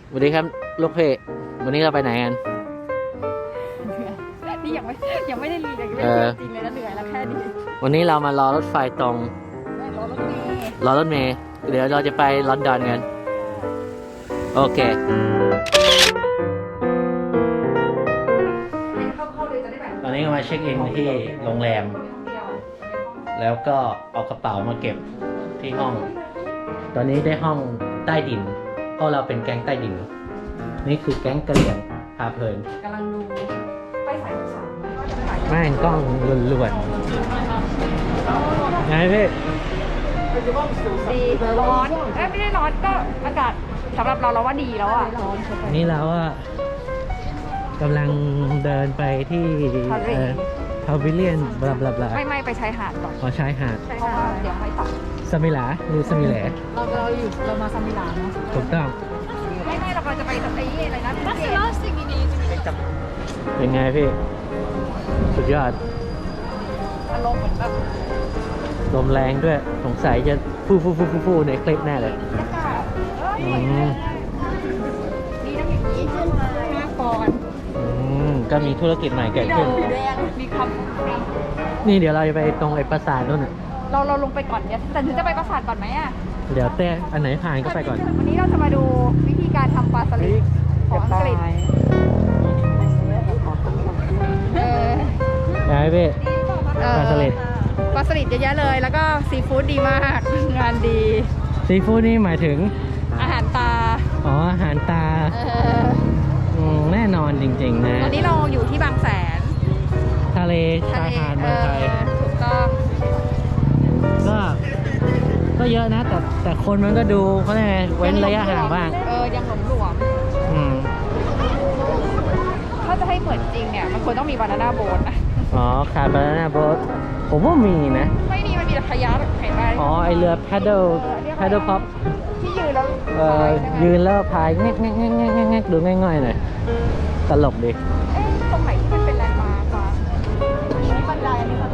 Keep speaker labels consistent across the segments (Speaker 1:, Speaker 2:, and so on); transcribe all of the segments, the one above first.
Speaker 1: สวัสดีครับลูกเพจวันนี้เราไปไหนกัน
Speaker 2: นี่ยังไม่ได้รีเลยไม่ได้จริงเลยนะเหนื่อยแล้วแค่นี้
Speaker 1: วันนี้เรามารอรถไฟตรงรอรถเมล์เดี๋ยวเราจะไปลอนดอนกันโอเคตอนนี้ก็มาเช็คอินที่โรงแรมแล้วก็เอากระเป๋ามาเก็บที่ห้องตอนนี้ได้ห้องใต้ดินเพราะเราเป็นแก๊งใต้ดินนี่คือแก๊งกะเหรี่ยงพาเพลิน
Speaker 2: กำลังดูไปสายสาม
Speaker 1: แม่งกล้องล้วนๆไงพี่
Speaker 2: ดีร้อนไม่ได้ร้อนก็อากาศสำหรับเราว่าดีแล้วอ่ะ
Speaker 1: นี่เราอะกำลังเดินไปที่พาวิเลียนบลาบลาบลา
Speaker 2: ไม่ไปชายหาดก่อน
Speaker 1: ขอชายหาด
Speaker 2: เพราะว่าเดี๋ยวไม่ตัด
Speaker 1: สมิลาหรือสมิแหล
Speaker 2: เรามาซามิลาเนาะ
Speaker 1: ถูกต้อง
Speaker 2: ไม่เราจะไปสักไอ้อะไรนะ
Speaker 1: เป็นไงพี่สุดยอด
Speaker 2: อารมณ์เหมือนแบบ
Speaker 1: ลมแรงด้วยสงสัยจะฟูในคลิปแน่เลย
Speaker 2: นี่น้ำอย่างนี้ขึ้นมา5 ปอนด์
Speaker 1: ก็มีธุรกิจใหม่เกิดขึ้น
Speaker 2: มีคำ
Speaker 1: นี่เดี๋ยวเราจะไปตรงไอ้ปราสาทนู่นน่ะ
Speaker 2: เราลงไปก่อนเนี่ยแต่ถึงจะไปปราสาทก่อนไหมอ่ะ
Speaker 1: เดี๋ยวแต่อันไหนผ่านก็ไปก่อน
Speaker 2: วันนี้เราจะมาดูวิธีการทำปลาสลิดของอังกฤษ
Speaker 1: ไงพี่ปลาสลิด
Speaker 2: เยอะแยะเลยแล้วก็ซีฟู้ดดีมากงานดี
Speaker 1: ซีฟู้ดนี่หมายถึง
Speaker 2: อาหารตา
Speaker 1: อ๋ออาหารตาแน่นอนจริงๆนะ
Speaker 2: ตอนนี้เราอยู่ที่บางแสน
Speaker 1: ทะเลชายหาดเมืองไทย
Speaker 2: ถูกต้อง
Speaker 1: ก็เยอะนะแต่คนมันก็ดูเขาไงเว้นระยะห่างบ้าง
Speaker 2: ยังหลวมถ้าจะให้เหมือนจริงเนี่ยมันควรต้องมีบานาน่าโบ๊ทนะ
Speaker 1: อ๋อขาดบานาน่าโบ๊ทผมว่ามีนะ
Speaker 2: ไม่มีมันมีแต่ขยะเห็นไหม
Speaker 1: อ๋อไอเรือแพดเดิลพ็อป
Speaker 2: ที่ยืนแล้ว
Speaker 1: ยืนแล้วพายแงกดูง่ายๆหน่อยตลกดิ
Speaker 2: ตรงไหนที่มันเป็นแลนด์มาร์ควะบันไดอันนี้ค่ะ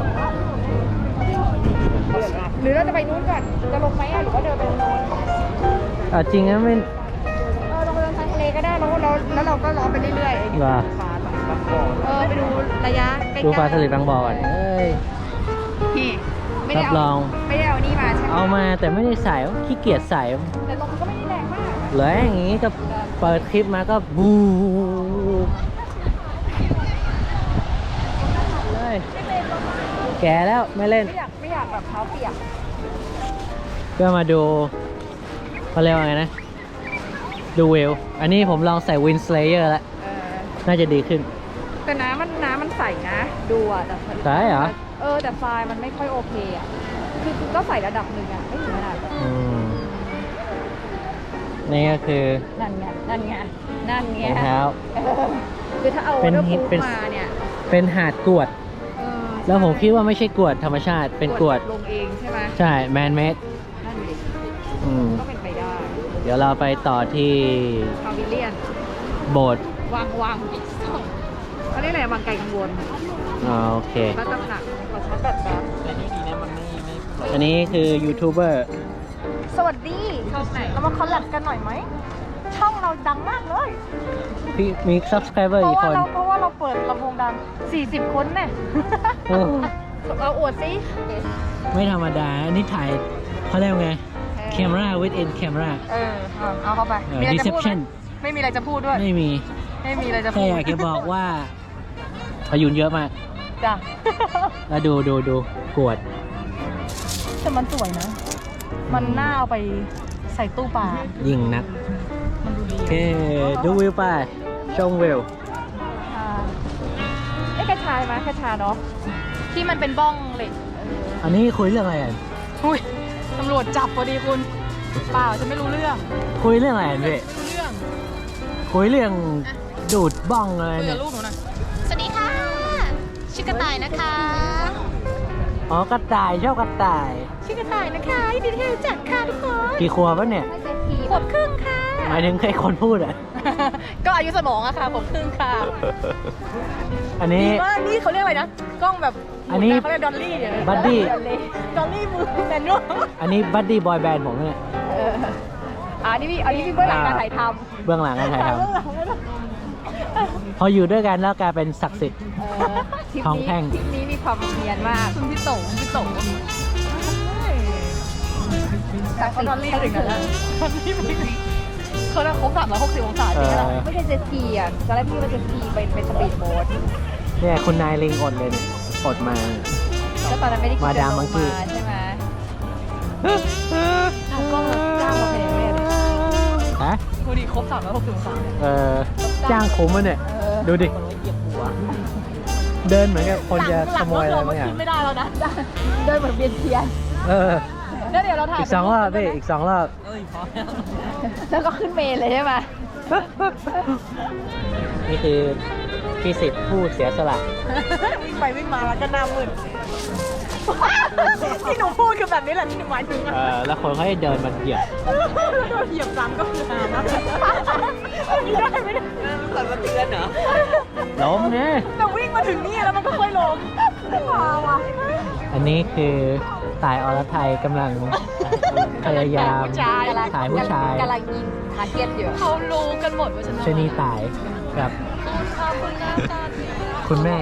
Speaker 2: หรือเราจะไปนู้นก่อนจะลงไหมหรือว่าเดินไปนู้น
Speaker 1: จริงนะไม่
Speaker 2: ลงไปทางทะเลก็ได้แล้วเราก็ล้อไปเรื่อยๆไปดูระยะใกล้ๆ
Speaker 1: ดูปลาสลิดบางบ่อก่อน
Speaker 2: รับรองไม่ได้เอานี่มาใช่ไหม
Speaker 1: เอามาแต่ไม่ได้ใส่ขี้เกียจใส่
Speaker 2: แต่ลมก็ไม่ได้แรงมาก
Speaker 1: เหลืออย่างงี้ก็เปิดคลิปมาก็บูเลยแก่แล้วไม่เล่น
Speaker 2: ไม่อยากแบบเท้าเปียก
Speaker 1: ก็มาดูเขาเรียกว่าไงนะดูวิวอันนี้ผมลองใส่วินสเลเยอร์แล้วน่าจะดีขึ้น
Speaker 2: แต่น้ำมันใสนะดูอ่ะแต่
Speaker 1: ใช่เหรอ
Speaker 2: แต่ทรายมันไม่ค่อยโอเคอ่ะคือก็ใส่ระดับหนึ่งอ่ะไม่ถึงขนาด
Speaker 1: นี่ก็คือ
Speaker 2: นั่นไง
Speaker 1: เท้า
Speaker 2: คือถ้าเอารถพุ่งมาเนี่ย
Speaker 1: เป็นหาดกรวดแล้วผมคิดว่าไม่ใช่กรวดธรรมชาติเป็นกรวด
Speaker 2: ลงเองใช่ไหม
Speaker 1: ใช่แมนเมด
Speaker 2: นั่นดิก็เป็นไปได้
Speaker 1: เดี๋ยวเราไปต่อที่
Speaker 2: พาวิเลียน
Speaker 1: โบสถ์
Speaker 2: วังเขาเรียกอะไรวังไกลกังวล
Speaker 1: โอเค
Speaker 2: ก็ตำหนักขอชาร์จแบตแป๊บ
Speaker 1: อันนี้คือยูทูบเบอร์
Speaker 2: สวัสดีช่องไหนเรามาคอลแลบกันหน่อยไหมช่องเราดังมากเลย
Speaker 1: พี่มี subscriber กี่คน
Speaker 2: เพราะว่าเราเปิดลำโพงดัง40 คนเนี่ยเราอวดสิ
Speaker 1: ไม่ธรรมดาอันนี้ถ่ายเขาเรียกไง camera within camera
Speaker 2: เอาเข้าไป
Speaker 1: deception
Speaker 2: ไม่มีอะไรจะพูดด้วย
Speaker 1: ไม่มี
Speaker 2: อะไรจะพูด
Speaker 1: แค่อยากจะบอกว่าพายุเยอะมาก
Speaker 2: จ้ะ
Speaker 1: แล้วดูกวด
Speaker 2: แต่มันสวยนะมันน่าเอาไปใส่ตู้ปลา
Speaker 1: ยิ่งนัก
Speaker 2: มันดูดี
Speaker 1: โอเคดูวิวไปชมวิว
Speaker 2: กระชายมั้ยกระชาเนาะที่มันเป็นบ้องเหล็ก
Speaker 1: อันนี้คุยเรื่องอะไรกัน
Speaker 2: ตำรวจจับพอดีคุณเปล่าฉันไม่รู้เรื่อง
Speaker 1: คุยเรื่องอะไรพี่คุยเรื่องดูดบ้องอะไร
Speaker 2: เนี่ยลูกหนูนะสวัสดีค่ะชื่อกระต่ายนะคะ
Speaker 1: อ๋อกระต่ายชอบกระต่าย
Speaker 2: ชื่อกระต่ายนะคะยินดีที่รู้จักค่ะทุกคน
Speaker 1: กี่ขวบแล้วเนี่ย
Speaker 2: ขวบครึ่งค่ะ
Speaker 1: หมายถึงใครคนพูดอ่ะ
Speaker 2: ก็อายุสมองอะค่ะขวบครึ่งค่ะ
Speaker 1: อันนี้
Speaker 2: นี่เขาเรียกอะไรนะกล้องแบบ
Speaker 1: อันนี้
Speaker 2: เขาเรียกดอลลี่
Speaker 1: บัดดี้
Speaker 2: มือแมนนวล
Speaker 1: อันนี้บัดดี้บอยแบนด์ผมเนี่ย
Speaker 2: อันนี้มีเบื้องหลังการถ่ายทำ
Speaker 1: เบื้องหลังการถ่ายท
Speaker 2: เบื้องหลังไม่ได้
Speaker 1: ำพออยู่ด้วยกันแล้วกลายเป็นศักดิ์สิทธิ์
Speaker 2: ทริป
Speaker 1: ทองแท่ง
Speaker 2: ทริปนี้มีความเนียนมากคุณพี่โตจากสิ่งที่ถึงนั้นแล้วเขาได้ครบ360 องศาจริงไหมล่ะไม่ใช่เจ็ตสกีอ่ะตอนแรกพี่ว่าเจ็ตสกีเป็นสปีดโบ๊ท
Speaker 1: เนี่ยคุณนายลิงอดเลยเนี่ยอดมา
Speaker 2: ก็ตอนนั้นไม่ได้คิด
Speaker 1: มา
Speaker 2: จะ
Speaker 1: ดาม
Speaker 2: ล
Speaker 1: มั
Speaker 2: ง
Speaker 1: งกี้
Speaker 2: มาใช่ไหมก็จ้างมาเป็นแม่เลย
Speaker 1: ฮะ
Speaker 2: พอดีครบ360 องศา
Speaker 1: จ้างคุ้มมันเนี่ย ดูดิ เดินเหมือนกับคนจะขโมยอะไรบางอย่าง
Speaker 2: ไม่ได้แล้วนะเดินเหมือนเบียนเทียน แล้วเดี๋ยวเราถ่าย
Speaker 1: อีก2 รอบพี่อีก 2 รอบ
Speaker 2: แล้วก็ขึ้นเมนเลยใช่ไหม
Speaker 1: นี่คือพี่สิทธิ์ผู้เสียสละ
Speaker 2: วิ่งไปวิ่งมาแล้วก็หน้ามึนที่หนูพูดคือแบบนี้แหละที่หนูหมายถึงอะ
Speaker 1: แล้วคนเขาให้เดินมาเหยียบ
Speaker 2: โดนเหยียบซ้ำก็คือหานะไม่ได้สั่นสะเทือนเหรอ
Speaker 1: ล้มเนี่ย
Speaker 2: แต่วิ่งมาถึงนี่แล้วมันก็ค่อยล้มว้าวะ
Speaker 1: อันนี้คือตายอรไทยกำลังพยายามถ่ายผู้ชาย
Speaker 2: กำลังยิงทาร์เก็ตอยู่เขารู้กันหมดว่าฉัน
Speaker 1: ชนีตายกับ
Speaker 2: คุณหน้าตาดี
Speaker 1: คุณแม่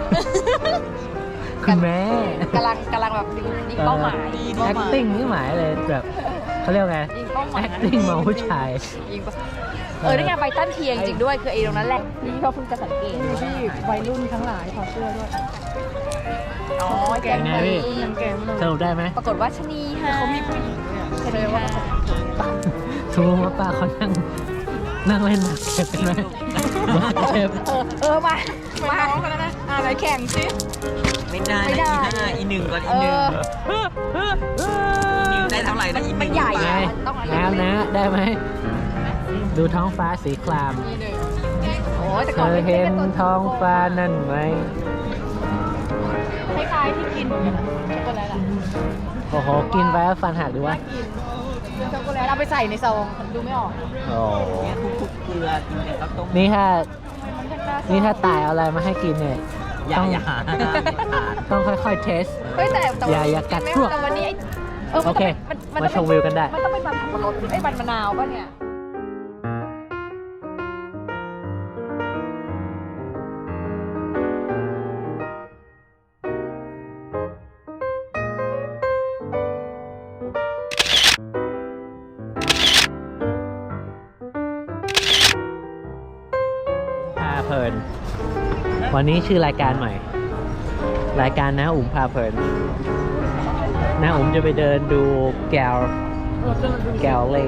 Speaker 1: คุณแม่
Speaker 2: กำลังแบบยิงเป้าหมาย
Speaker 1: acting นี่หมายเลยแบบเขาเรียกไง
Speaker 2: ยิงเป้าหมาย
Speaker 1: acting มองผู้ชาย
Speaker 2: ยิงนี่ไงไบตันเทียงจริงด้วยคือไอ้ตรงนั้นแหละนี่เขาเพิ่งจะสังเกตที่วัยรุ่นทั้งหลายถอดเสื้อด้วยอ๋อแกง
Speaker 1: เป็นไงพี่ สรุปได้ไหม
Speaker 2: ปรากฏว่าชนีฮะเขามีผู้หญิงด้วยชนีฮะ
Speaker 1: ทุกว่าป้าเขานั่งเล่นหมากเก็บกันไหมหมากเก็บ
Speaker 2: มาน้องกันแล้วนะอะไรแข่งสิ
Speaker 3: ไม่ได้
Speaker 2: ไม่
Speaker 3: นะ
Speaker 2: ได้
Speaker 3: อี5 อี 1ก่อนอี 1 อี 1ได้เท่าไหร่นะอี
Speaker 2: มัน
Speaker 3: 1
Speaker 2: ใหญ่
Speaker 1: ไง
Speaker 2: ต้องอะไร
Speaker 1: น้ำนะได้ไหม ดูท้องฟ้าสีคราม
Speaker 2: โอ้แต่
Speaker 1: เธ
Speaker 2: ก่อน
Speaker 1: อเห็นท้องฟ้านั่นไหม
Speaker 2: คล้ายๆที่กินช็อกโกแลตอะ
Speaker 1: โอ้โห กินไปแล้วฟันหักดีวะ
Speaker 2: กินช็อกโกแลตเอาไปใส่ในซองดูไม่ออก
Speaker 1: โอ้
Speaker 3: เนี่ยทุกๆเกลือกินแต่ข้าวต้ม
Speaker 1: นี่ถ้าตายเอาอะไรมาให้กินเนี่ย
Speaker 3: อย่า
Speaker 1: ต้อง
Speaker 3: อย่าหา
Speaker 1: ต้องค่อยๆเทส
Speaker 2: เฮ้ยแต่
Speaker 1: อย่ากัดพวก
Speaker 2: แต่วันนี้
Speaker 1: โอเคมาชมวิวกันได้
Speaker 2: มันต้องเป็นมันสับปะรดไอ้มันมะนาวป่ะเนี่ย
Speaker 1: พาเพลิน วันนี้ชื่อรายการใหม่ รายการน้าอุ๋มพาเพลินน้าอุ๋มจะไปเดินดูแกวเล่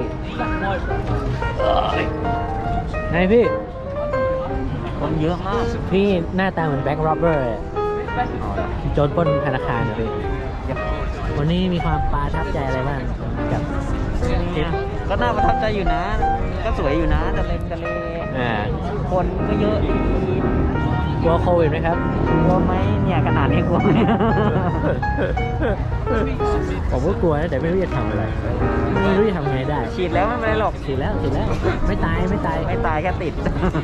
Speaker 1: ไงพี่
Speaker 3: คนเยอะมาก
Speaker 1: พี่หน้าตาเหมือนแบ็คโรเบอร์โจรปล้นธนาคารนะพี่ วันนี้มีความประทับใจอะไรบ้างกับทริป
Speaker 3: ก็น่าประทับใจอยู่นะ ก็สวยอยู่นะทะเล คนก็เยอะดี
Speaker 1: กลัวโควิดไหมครับ
Speaker 3: กลัวไหมเนี่ยขนาดนี้กลัวไหม
Speaker 1: ผมก็กลัวนะแต่ไม่รู้จะทำอะไร ไม่รู้จะทำไงได้
Speaker 3: ฉีดแล้วไม่เป็นไรหรอก
Speaker 1: ฉีดแล้วไม่ตาย
Speaker 3: ไม่ตายแค่ติด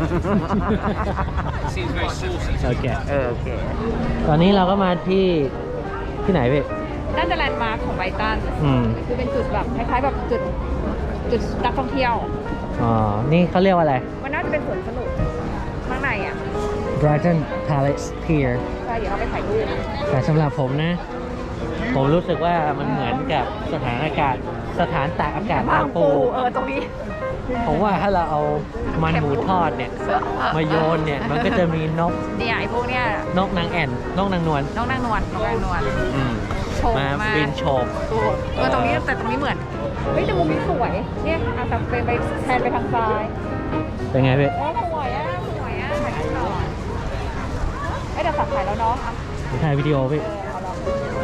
Speaker 1: โอเค
Speaker 3: โอเค
Speaker 1: ตอนนี้เราก็มาที่ไหนพี่
Speaker 2: น่าจะแลนด์มาร์คของไบตัน คือเป็นจุดแบบคล้ายๆแบบจุดนักท่องเที่ยว
Speaker 1: อ๋อ นี่เขาเรียกว่าอะไร
Speaker 2: มันน่าจะเป็นสวนสนุกข้างในอ่ะ
Speaker 1: Brighton Palace Pier
Speaker 2: ใช่เดี๋ยวเราไปถ่ายรูป
Speaker 1: แต่สำหรับผมนะ ผมรู้สึกว่ามันเหมือนกับสถานตากอากาศบางปู
Speaker 2: ตรงนี้
Speaker 1: ผมว่าถ้าเราเอามันหมูทอดเนี่ย มาโยนเนี่ย มันก็จะมีนก
Speaker 2: เนี่ยไอ้พวกเนี้ย
Speaker 1: นกนางแอ่น นกนางนวล
Speaker 2: น้องนางนวลโชว์
Speaker 1: มา
Speaker 2: มา
Speaker 1: บินโฉบ
Speaker 2: ตรงนี้แต่ตรงนี้เหมือนเฮ้ยแต่มุมนี้สวยเนี่ยเอาแต่ไปแทนไปทางซ้าย
Speaker 1: เป็นไงพี่
Speaker 2: สวยอ่ะถ่ายรูปก่อนเดี๋ยวสับถ่ายแล้วเนาะ
Speaker 1: ถ่ายวิดีโอพี่
Speaker 2: เอาลอง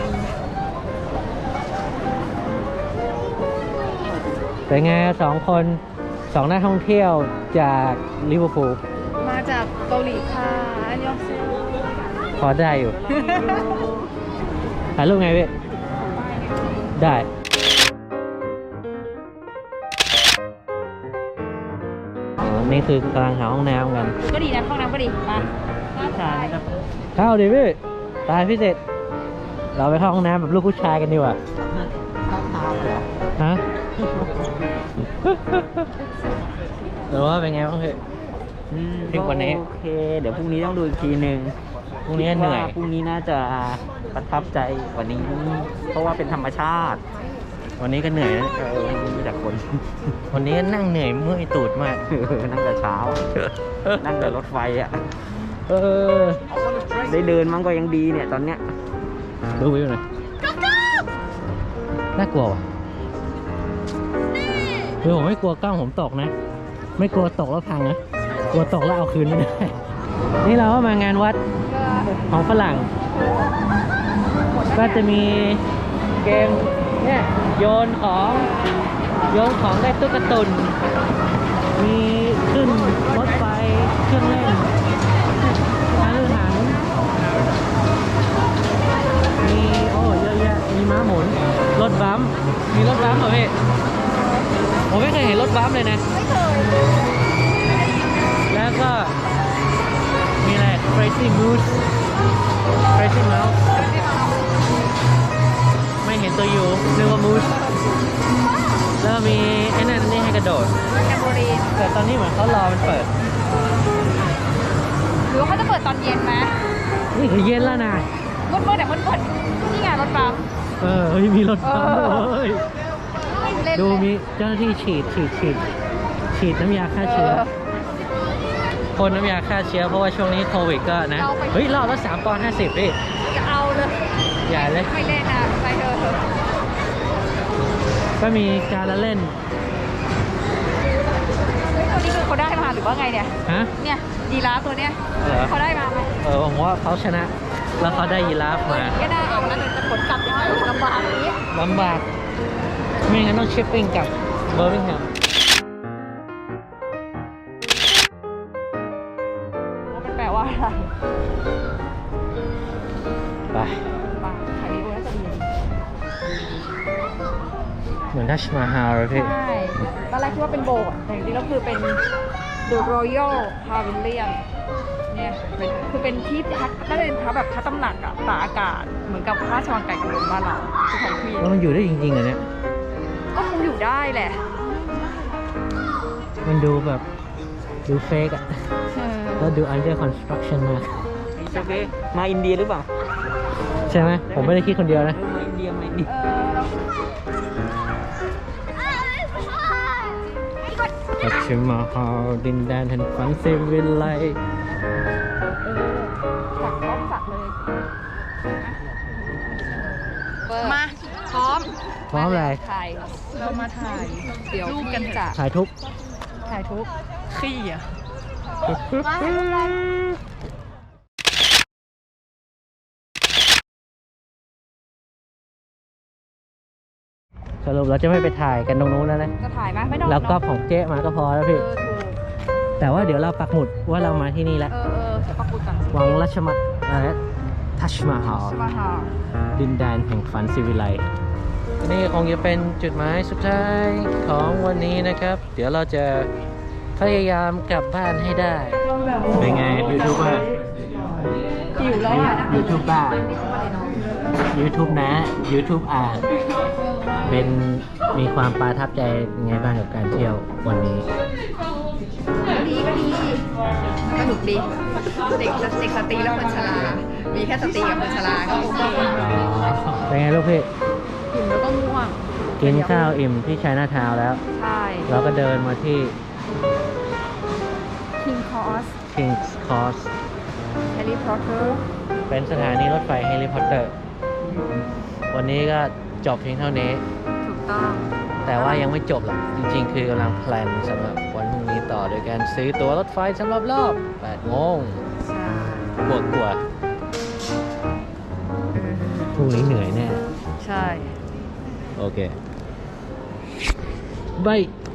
Speaker 1: เป็นไงสองนักท่องเที่ยวจากลิเวอร์พูล
Speaker 2: มาจากเกาหลีค่ะอันยองเซล
Speaker 1: พอได้อยู่ ถ่ายรูปไงพี่ ได้ นี่คือกำลังหาห้องน้ำกัน
Speaker 2: ก็ดีนะห้องน้ำก็ดีมา
Speaker 1: เข้าดิพี่ ตายพี่เสร็จ เราไปเข้าห้องน้ำแบบลูกผู้ชายกันดีกว่า ฮะหรือว่าเป็นไงบ้างพี่ ทริปวันนี้
Speaker 3: โอเค เดี๋ยวพรุ่งนี้ต้องดูอีกทีหนึ่ง
Speaker 1: พรุ่งนี้เหนื่อย
Speaker 3: คิดว่าพรุ่งนี้น่าจะประทับใจกว่านี้ เพราะว่าเป็นธรรมชาติ
Speaker 1: วันนี้ก็เหนื่อยนะ
Speaker 3: มีแต่คน
Speaker 1: วันนี้ก็นั่งเหนื่อยเมื่อยตูดมาก
Speaker 3: นั่งแต่เช้า นั่งแต่รถไฟอ่ะ
Speaker 1: เออ
Speaker 3: ได้เดินมั้งก็ยังดีเนี่ยตอนเนี้ย
Speaker 1: ดูวิวหน่อยน่ากลัวว่ะคือผมไม่กลัวกล้องผมตกนะ ไม่กลัวตกแล้วพังนะ กลัวตกแล้วเอาคืนไม่ได้ นี่เราก็มางานวัดของฝรั่ง ก็จะมีเกมเนี่ยโยนของได้ตุ๊กตุน มีขึ้นรถไฟเครื่องเล่นอาหารมีโอ้เยอะแยะมีม้าหมุนรถบัมป์มีรถบัมป์เหรอพี่ผมไม่เคยเห็นรถบัมป์เลยนะ
Speaker 2: ไม่เคย
Speaker 1: แล้วก็มีอะไร Crazy Mouse Crazy Mouse ไม่เห็นตัวอยู่นึกว่า Mouse แล้วมีไอ้นั่นนี่ให้กระโดด
Speaker 2: แคมโบรีน
Speaker 1: แต่ตอนนี้เหมือนเขารอมันเปิด
Speaker 2: หรือว่าเขาจะเปิดตอนเย็นไหม
Speaker 1: นี่คือเย็นแล้วนะ
Speaker 2: มืดๆเนี่ยมืดๆนี่ไงรถบัม
Speaker 1: เฮ้ยมีรถบัมป์ด้วย
Speaker 2: เล่น
Speaker 1: ดู
Speaker 2: เลย
Speaker 1: มีเจ้าหน้าที่ฉีดน้ำยาฆ่าเชื้อพ่นน้ำยาฆ่าเชื้อเพราะว่าช่วงนี้โควิดก็นะ เฮ้ยรอบละ3 ปอนด์ 50พี่
Speaker 2: จะเอาเลย
Speaker 1: ใหญ่เลย
Speaker 2: ไม่เล่นนะไปเถอะ
Speaker 1: ก็มีการละเล่น
Speaker 2: เฮ้ยตัวนี้คือเขาได้มาหรือว่าไงเนี่ย
Speaker 1: ฮะ
Speaker 2: เนี่ยยีราฟตัวเนี้ย
Speaker 1: เหรอ
Speaker 2: เขาได้มาไหม
Speaker 1: ผมว่าเขาชนะ แล้วเขาได้ยีราฟมา
Speaker 2: ก็ได้เอาแล้วจะขนกลับยังไงลำบากอย่างนี้
Speaker 1: ลำบาก ไม่งั้นต้องชิปปิ้งกลับเบอร์มิงแฮม
Speaker 2: ว่ามันแปลว่าอะไร
Speaker 1: ไป
Speaker 2: บ้าถ่ายวีดีโอน่าจะดี
Speaker 1: เหมือนทัชมาฮาลเลยพี่
Speaker 2: ใช่ตอนแรกคิดว่าเป็นโบสถ์แต่จริงๆแล้วคือเป็น The Royal Pavilion เนี่ยคือเป็นที่พักน่าจะเป็นพักแบบพักตำหนักอะตากอากาศเหมือนกับพระราชวังไก่กระโดนบ้านเราคือของพี่
Speaker 1: แล้วมันอยู่ได้จริงๆเหรอเนี่ย
Speaker 2: ก็คงอยู่ได้แหละ
Speaker 1: มันดูแบบดูเฟกอะ
Speaker 2: เออ
Speaker 1: แล้วดู under construction มาก
Speaker 3: โอเคมาอินเดียหรือเปล่า
Speaker 1: ใช่ไหม ผมไม่ได้คิดคนเดียวนะ
Speaker 3: มาอินเดียมาอินเดีย
Speaker 1: ทัชมาฮาลดินแดนแห่งฝันเซวิลไล
Speaker 2: สักพร้อมสักเลยมาพร้อม
Speaker 1: พร้อมอะไร
Speaker 2: ถ่ายเรามาถ่ายเดี๋ยวรูปกันจะ
Speaker 1: ถ่ายทุก
Speaker 2: ถ่ายทุกขี้อ่ะ
Speaker 1: สรุปเราจะไม่ไปถ่ายกันตรงนู้นแล้วนะ
Speaker 2: จะถ่ายไหมไม่ต้อง
Speaker 1: แล้วก็ของเจ๊มาก็พอแล้วพี่
Speaker 2: ถูก
Speaker 1: แต่ว่าเดี๋ยวเราปักหมุดว่าเรามาที่นี่แล้ว
Speaker 2: จะปักบุตรก่อน
Speaker 1: วังราชมัดอะไรทัชมาฮาล
Speaker 2: ใช่ไหมคะ
Speaker 1: ดินแดนแห่งฝันสิวิไลนี่คงจะเป็นจุดหมายสุดท้ายของวันนี้นะครับ เดี๋ยวเราจะพยายามกลับบ้านให้ได้ เป็นไงยูทูบเบอร์
Speaker 2: หิวแล้วอ่ะ
Speaker 1: ยูทูบบ้ายูทูบนะยูทูบอ่านเป็นมีความประทับใจยังไงบ้างกับการเที่ยววันนี้
Speaker 2: ก็ดีสนุกดีเด็กสตรีและคนชรามีแค่สตรีกับคนชราก็โอเค
Speaker 1: เป็นไงลูกพี่
Speaker 2: หิวแล้วก็ง่วง
Speaker 1: กินข้าวอิ่มที่ชัยนาทาวน์แล้ว
Speaker 2: ใช่
Speaker 1: เราก็เดินมาที่
Speaker 2: King Cross
Speaker 1: King's Cross
Speaker 2: Harry Potter
Speaker 1: เป็นสถานีรถไฟแฮร์รี่พอตเตอร์ วันนี้ก็จบเพียงเท่านี้
Speaker 2: ถูกต้อง
Speaker 1: แต่ว่ายังไม่จบหรอก จริงๆ คือกำลังแพลนสำหรับวันพรุ่งนี้ต่อโดยการซื้อตั๋วรถไฟสำหรับรอบ8 โมง
Speaker 2: ใช่
Speaker 1: บวกกว่าพรุ่งนี้เหนื่อยแน่
Speaker 2: ใช่
Speaker 1: โอเคบาย